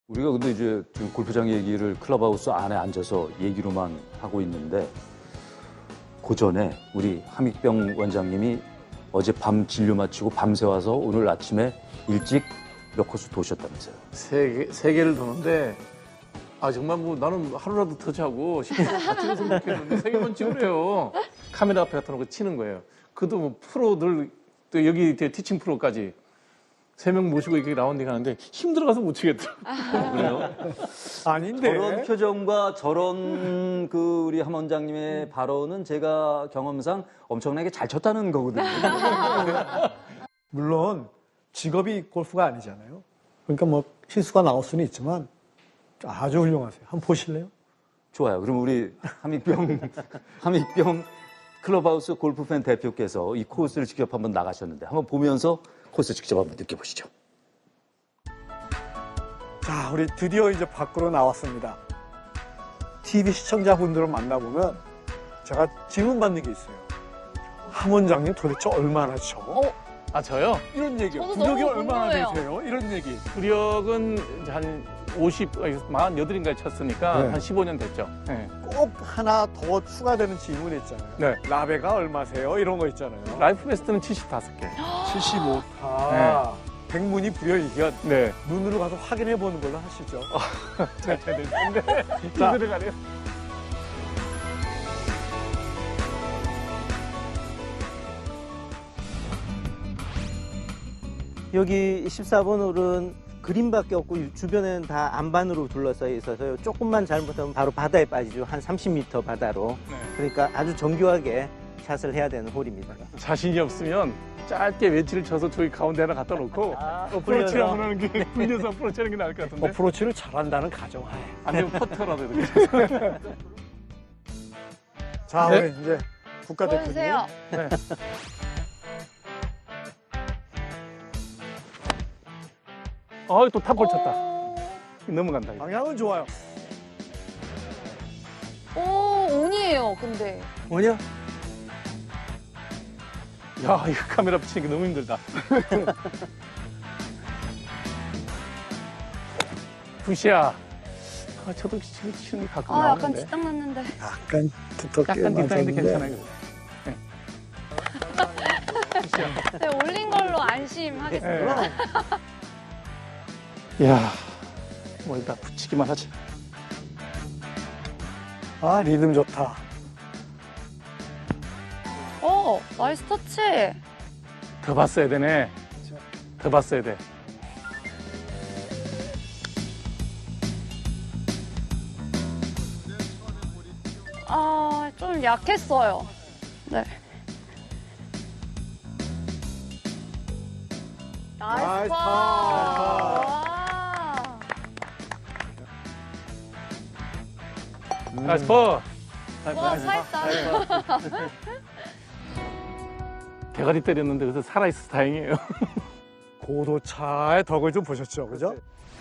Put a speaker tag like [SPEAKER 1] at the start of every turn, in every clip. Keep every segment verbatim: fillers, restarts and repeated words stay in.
[SPEAKER 1] 우리가 근데 이제 지금 골프장 얘기를 클럽하우스 안에 앉아서 얘기로만 하고 있는데 그 전에 우리 함익병 원장님이 어제 밤 진료 마치고 밤새 와서 오늘 아침에 일찍 몇 코스 도셨다면서요?
[SPEAKER 2] 세 개, 세 개를 도는데 아 정말 뭐 나는 하루라도 더 자고 십 분 같이 생각했는데 세 개만 찍으래요. 카메라 앞에 갖다 놓고 치는 거예요. 그도 뭐 프로들 또 여기 티칭 프로까지 세 명 모시고 이렇게 라운딩 하는데 힘들어가서 못 치겠더라고요.
[SPEAKER 1] 아, 그래요?
[SPEAKER 3] 아닌데.
[SPEAKER 1] 저런 표정과 저런 그 우리 함 원장님의 발언은 제가 경험상 엄청나게 잘 쳤다는 거거든요.
[SPEAKER 3] 물론 직업이 골프가 아니잖아요. 그러니까 뭐 실수가 나올 수는 있지만 아주 훌륭하세요. 한번 보실래요?
[SPEAKER 1] 좋아요. 그럼 우리 함익병, 함익병 클럽하우스 골프팬 대표께서 이 코스를 직접 한번 나가셨는데 한번 보면서 코스 직접 한번 느껴보시죠.
[SPEAKER 3] 자, 우리 드디어 이제 밖으로 나왔습니다. 티비 시청자분들을 만나보면 제가 질문받는 게 있어요. 함 원장님 도대체 얼마나 쳐?
[SPEAKER 2] 어? 아 저요?
[SPEAKER 3] 이런 얘기요.
[SPEAKER 4] 저도
[SPEAKER 3] 구력이
[SPEAKER 4] 너무
[SPEAKER 3] 얼마나
[SPEAKER 4] 궁금해요.
[SPEAKER 3] 되세요? 이런 얘기.
[SPEAKER 2] 구력은 이제 한 오십, 사십팔인가에 쳤으니까
[SPEAKER 3] 네.
[SPEAKER 2] 한 십오 년 됐죠. 네.
[SPEAKER 3] 꼭 하나 더 추가되는 질문이 있잖아요.
[SPEAKER 2] 네.
[SPEAKER 3] 라베가 얼마세요? 이런 거 있잖아요.
[SPEAKER 2] 라이프 베스트는 칠십오 개.
[SPEAKER 3] 칠십오 타. 백문이 불여일견.
[SPEAKER 2] 네.
[SPEAKER 3] 눈으로 가서 확인해 보는 걸로 하시죠.
[SPEAKER 2] 잘 쳐야 되는데.
[SPEAKER 3] 자.
[SPEAKER 2] 들어가네요.
[SPEAKER 5] 여기 십사 번 홀은 그린밖에 없고 주변에는 다 안반으로 둘러싸여 있어서요. 조금만 잘못하면 바로 바다에 빠지죠. 한 삼십 미터 바다로.
[SPEAKER 2] 네.
[SPEAKER 5] 그러니까 아주 정교하게 샷을 해야 되는 홀입니다.
[SPEAKER 2] 자신이 없으면 짧게 웨지를 쳐서 저기 가운데 하나 갖다 놓고 어프로치
[SPEAKER 5] 굴려서.
[SPEAKER 2] 한번 하는 게 굴려서 어프로치 하는 게 나을 것 같은데.
[SPEAKER 3] 어프로치를 잘한다는 가정하에.
[SPEAKER 2] 안 되면 퍼터라도 이렇게 쳐서.
[SPEAKER 3] 자,
[SPEAKER 2] 네.
[SPEAKER 3] 우리 이제 국가대표님.
[SPEAKER 4] 보여주세요.
[SPEAKER 2] 네. 어, 또 탑볼 쳤다.
[SPEAKER 4] 오,
[SPEAKER 2] 넘어간다. 이거.
[SPEAKER 3] 방향은 좋아요.
[SPEAKER 4] 오, 온이에요, 근데.
[SPEAKER 5] 뭐냐?
[SPEAKER 2] 야, 이거 카메라 붙이니까 너무 힘들다. 굿이야. 아, 저도 지금 치는 게 가끔
[SPEAKER 4] 아, 약간
[SPEAKER 2] 나오는데.
[SPEAKER 4] 지딱 났는데.
[SPEAKER 3] 약간 두텁게
[SPEAKER 2] 약간 뒷땅인데
[SPEAKER 3] 맞았는데.
[SPEAKER 2] 괜찮아요. 네.
[SPEAKER 4] 네, 올린 걸로 안심하겠습니다.
[SPEAKER 2] 네. 야, 뭐 일단 붙이기만 하지.
[SPEAKER 3] 아, 리듬 좋다.
[SPEAKER 4] 오, 나이스 터치.
[SPEAKER 2] 더 봤어야 되네. 더 봤어야 돼.
[SPEAKER 4] 아, 좀 약했어요. 네. 나이스
[SPEAKER 3] 나이스
[SPEAKER 4] 파.
[SPEAKER 3] 파.
[SPEAKER 4] 와.
[SPEAKER 2] 나이스 퍼.
[SPEAKER 4] 와, 살았다.
[SPEAKER 2] 대가리 때렸는데 그래서 살아있어서 다행이에요.
[SPEAKER 3] 고도차의 덕을 좀 보셨죠, 그죠?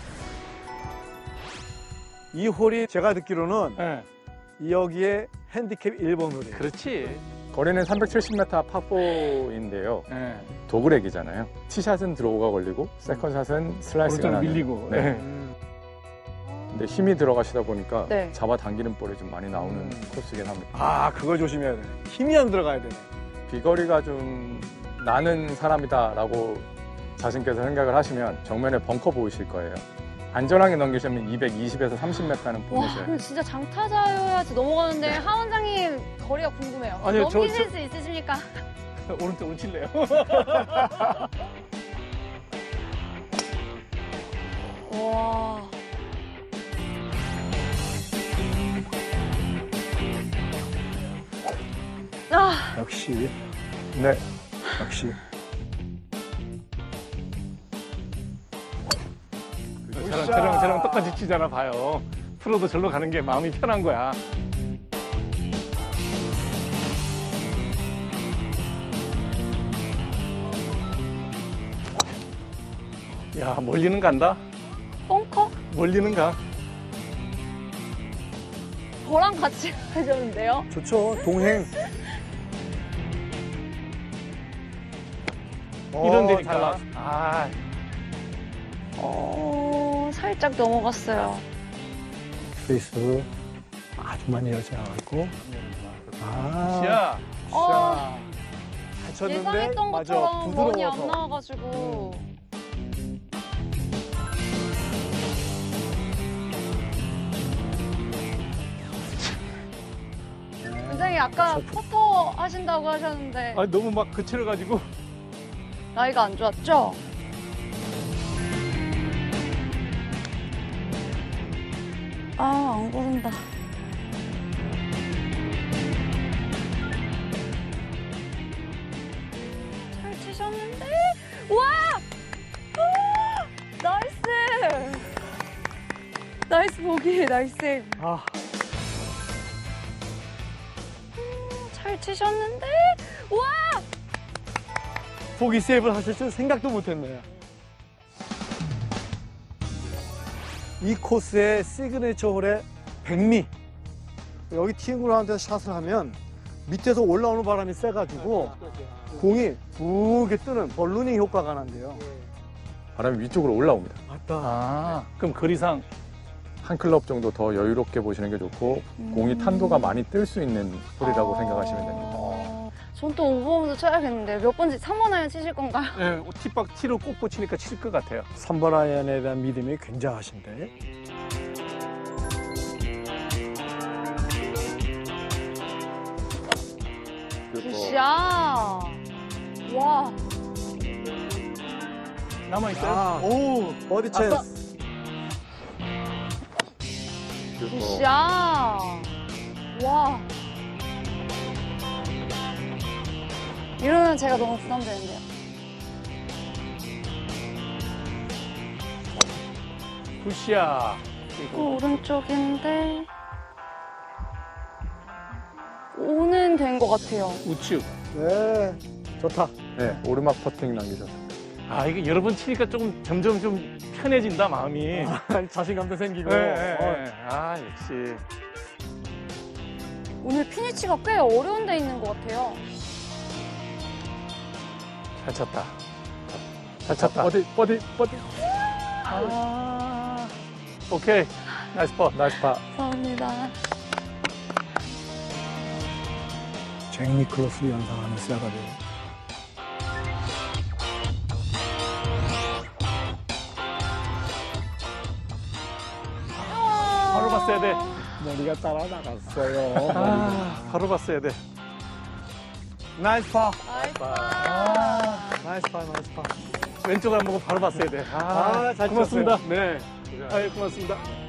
[SPEAKER 3] 이 홀이 제가 듣기로는
[SPEAKER 2] 네.
[SPEAKER 3] 여기에 핸디캡 일 번 홀이에요.
[SPEAKER 2] 그렇지.
[SPEAKER 6] 거리는 삼백칠십 미터 파포인데요.
[SPEAKER 2] 네.
[SPEAKER 6] 도그렉이잖아요. 티샷은 드로우가 걸리고 세컨샷은 슬라이스가
[SPEAKER 2] 오른쪽
[SPEAKER 6] 나는.
[SPEAKER 2] 밀리고.
[SPEAKER 6] 네.
[SPEAKER 2] 네.
[SPEAKER 3] 음.
[SPEAKER 6] 근데 힘이 들어가시다 보니까
[SPEAKER 4] 네.
[SPEAKER 6] 잡아당기는 볼이 좀 많이 나오는
[SPEAKER 3] 음.
[SPEAKER 6] 코스이긴 합니다.
[SPEAKER 3] 아, 그거 조심해야 돼. 힘이 안 들어가야 되네.
[SPEAKER 6] 비거리가 좀 나는 사람이다라고 자신께서 생각을 하시면 정면에 벙커 보이실 거예요. 안전하게 넘기시면 이백이십에서 삼십 미터는
[SPEAKER 4] 와,
[SPEAKER 6] 보내셔요.
[SPEAKER 4] 근데 진짜 장타자여야지 넘어가는데 하 원장님 거리가 궁금해요.
[SPEAKER 2] 아니요, 저-
[SPEAKER 4] 넘기실
[SPEAKER 2] 저-
[SPEAKER 4] 수 있으십니까?
[SPEAKER 2] 오른쪽으로 칠래요.
[SPEAKER 4] 와. 아,
[SPEAKER 3] 역시,
[SPEAKER 6] 네.
[SPEAKER 3] 역시.
[SPEAKER 2] 저랑, 저랑, 저랑 똑같이 치잖아, 봐요. 프로도 절로 가는 게 마음이 편한 거야. 야, 멀리는 간다?
[SPEAKER 4] 벙커?
[SPEAKER 2] 멀리는 가.
[SPEAKER 4] 저랑 같이 하셨는데요?
[SPEAKER 3] 좋죠, 동행.
[SPEAKER 2] 이런
[SPEAKER 3] 어,
[SPEAKER 2] 데니까.
[SPEAKER 3] 잘 나왔어.
[SPEAKER 2] 아,
[SPEAKER 4] 어, 오, 살짝 넘어갔어요.
[SPEAKER 3] 페이스 아주 많이 열지 않았고. 아,
[SPEAKER 2] 야,
[SPEAKER 4] 어,
[SPEAKER 3] 잘 쳤는데
[SPEAKER 4] 예상했던
[SPEAKER 3] 맞아
[SPEAKER 4] 것처럼 원이 안
[SPEAKER 3] 부드러워서.
[SPEAKER 4] 나와가지고. 원장님 아까 퍼터 하신다고 하셨는데
[SPEAKER 2] 아 너무 막 거칠어가지고.
[SPEAKER 4] 나이가 안 좋았죠? 아, 안 고른다. 잘 치셨는데? 와! 아! 나이스! 나이스 보기, 나이스.
[SPEAKER 3] 아,
[SPEAKER 4] 잘 치셨는데? 와!
[SPEAKER 3] 보기 세이브를 하실 줄 생각도 못했네요. 이 코스의 시그니처 홀의 백미. 여기 티잉그라운드에서 샷을 하면 밑에서 올라오는 바람이 세가지고 공이 부게 뜨는 벌루닝 효과가 난대요.
[SPEAKER 6] 바람이 위쪽으로 올라옵니다.
[SPEAKER 3] 맞다.
[SPEAKER 2] 아, 그럼 거리상
[SPEAKER 6] 한 클럽 정도 더 여유롭게 보시는 게 좋고 공이 탄도가 많이 뜰 수 있는 홀이라고 생각하시면 됩니다.
[SPEAKER 4] 전 또 오 번부터 쳐야겠는데 몇 번지 삼 번 아이언 치실 건가요?
[SPEAKER 2] 예, 티박 티를 꼭 붙이니까 칠 것 같아요.
[SPEAKER 3] 삼 번 아이언에 대한 믿음이 굉장하신데.
[SPEAKER 4] 굿샷! 와,
[SPEAKER 2] 남아 있어요.
[SPEAKER 3] 아, 오, 버디 찬스.
[SPEAKER 4] 굿샷! 와. 이러면 제가 너무 부담되는데요.
[SPEAKER 2] 굿샷.
[SPEAKER 4] 또 오른쪽인데 오는 된 것 같아요.
[SPEAKER 2] 우측.
[SPEAKER 3] 네, 좋다.
[SPEAKER 6] 네, 오르막 퍼팅 남기셨습니다.
[SPEAKER 2] 아, 이게 여러 번 치니까 조금 점점 좀 편해진다, 마음이.
[SPEAKER 3] 자신감도 생기고.
[SPEAKER 2] 예, 예,
[SPEAKER 3] 어,
[SPEAKER 2] 예. 아, 역시.
[SPEAKER 4] 오늘 피니치가 꽤 어려운 데 있는 것 같아요.
[SPEAKER 2] 잘 쳤다. 잘 쳤다.
[SPEAKER 6] 버디, 버디, 버디.
[SPEAKER 2] 아, 오케이. 나이스 퍼.
[SPEAKER 6] 나이스 파.
[SPEAKER 4] 감사합니다.
[SPEAKER 3] 잭 니클러스를 연상하는 시야가 돼요.
[SPEAKER 2] 바로 봤어야 돼.
[SPEAKER 3] 머리가 따라 나갔어요.
[SPEAKER 2] 아, 바로 봤어야 돼.
[SPEAKER 3] 나이스 파.
[SPEAKER 4] 나이스.
[SPEAKER 3] 나이스 파, 나이스 파.
[SPEAKER 2] 왼쪽 안 보고 바로 봤어야 돼. 아,
[SPEAKER 3] 아, 잘
[SPEAKER 2] 고맙습니다.
[SPEAKER 3] 쳤어요.
[SPEAKER 2] 네. 아, 고맙습니다.